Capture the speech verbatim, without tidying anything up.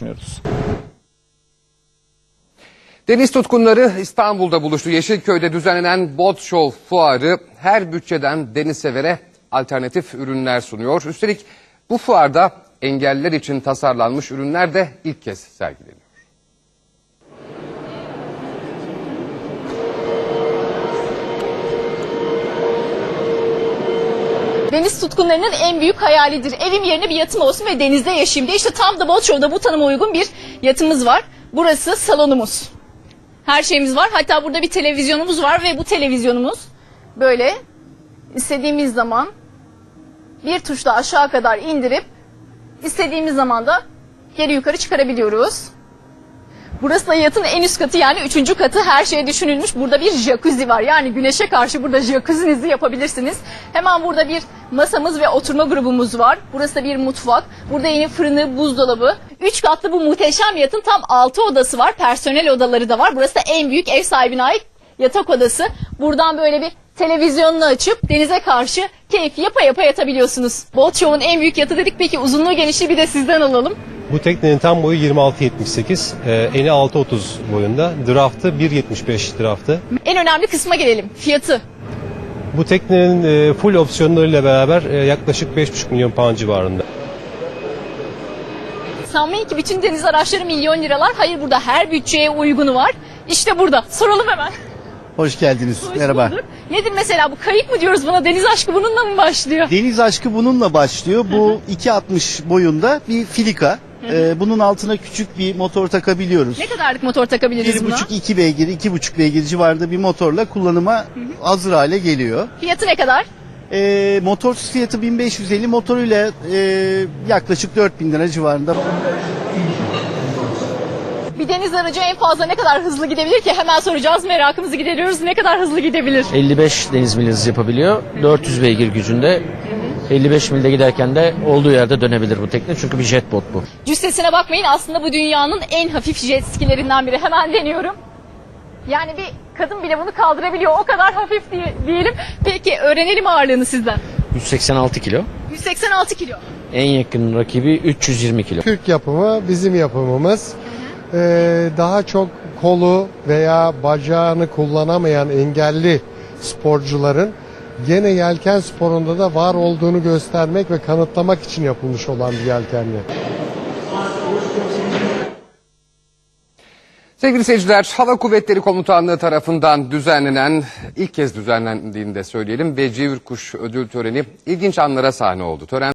düşünüyoruz. Deniz tutkunları İstanbul'da buluştu. Yeşilköy'de düzenlenen Boat Show fuarı her bütçeden deniz severe alternatif ürünler sunuyor. Üstelik bu fuarda engelliler için tasarlanmış ürünler de ilk kez sergileniyor. Deniz tutkunlarının en büyük hayalidir. Evim yerine bir yatım olsun ve denizde yaşayayım diye. İşte tam da Boat Show'da bu tanıma uygun bir yatımız var. Burası salonumuz. Her şeyimiz var. Hatta burada bir televizyonumuz var ve bu televizyonumuz böyle istediğimiz zaman bir tuşla aşağı kadar indirip istediğimiz zaman da geri yukarı çıkarabiliyoruz. Burası da yatın en üst katı, yani üçüncü katı. Her şey düşünülmüş. Burada bir jacuzzi var. Yani güneşe karşı burada jacuzzi'nizi yapabilirsiniz. Hemen burada bir masamız ve oturma grubumuz var. Burası da bir mutfak. Burada yine fırını, buzdolabı. Üç katlı bu muhteşem yatın tam altı odası var. Personel odaları da var. Burası da en büyük ev sahibine ait yatak odası. Buradan böyle bir televizyonunu açıp denize karşı keyif yapa yapa yatabiliyorsunuz. Boat Show'un en büyük yatı dedik. Peki uzunluğu, genişliği bir de sizden alalım. Bu teknenin tam boyu yirmi altı yetmiş sekiz, e, eni altı otuz boyunda, draftı bir yetmiş beş draftı. En önemli kısma gelelim. Fiyatı. Bu teknenin e, full opsiyonlarıyla beraber e, yaklaşık beş buçuk milyon pound civarında. Sanmayın ki bütün deniz araçları milyon liralar. Hayır, burada her bütçeye uygunu var. İşte burada. Soralım hemen. Hoş geldiniz. Hoş Merhaba. bulduk. Nedir mesela bu, kayık mı diyoruz buna? Deniz aşkı bununla mı başlıyor? Deniz aşkı bununla başlıyor. Bu iki altmış boyunda bir filika. Ee, bunun altına küçük bir motor takabiliyoruz. Ne kadarlık motor takabiliriz buna? bir buçuk iki beygir, iki buçuk beygir civarında bir motorla kullanıma hazır hale geliyor. Fiyatı ne kadar? Ee, motorsuz fiyatı bin beş yüz elli, motoruyla e, yaklaşık dört bin lira civarında. Bir deniz aracı en fazla ne kadar hızlı gidebilir ki? Hemen soracağız, merakımızı gideriyoruz. Ne kadar hızlı gidebilir? elli beş deniz mil hız yapabiliyor. dört yüz beygir gücünde. elli beş milde giderken de olduğu yerde dönebilir bu tekne. Çünkü bir jet bot bu. Cüssesine bakmayın, aslında bu dünyanın en hafif jet skilerinden biri. Hemen deniyorum. Yani bir kadın bile bunu kaldırabiliyor. O kadar hafif diye, diyelim. Peki öğrenelim ağırlığını sizden. yüz seksen altı kilo. yüz seksen altı kilo. En yakın rakibi üç yüz yirmi kilo. Türk yapımı, bizim yapımımız. Ee, daha çok kolu veya bacağını kullanamayan engelli sporcuların gene yelken sporunda da var olduğunu göstermek ve kanıtlamak için yapılmış olan bir yelkenli. Sevgili seyirciler, Hava Kuvvetleri Komutanlığı tarafından düzenlenen, ilk kez düzenlendiğini de söyleyelim, Becivir Kuş ödül töreni ilginç anlara sahne oldu. Tören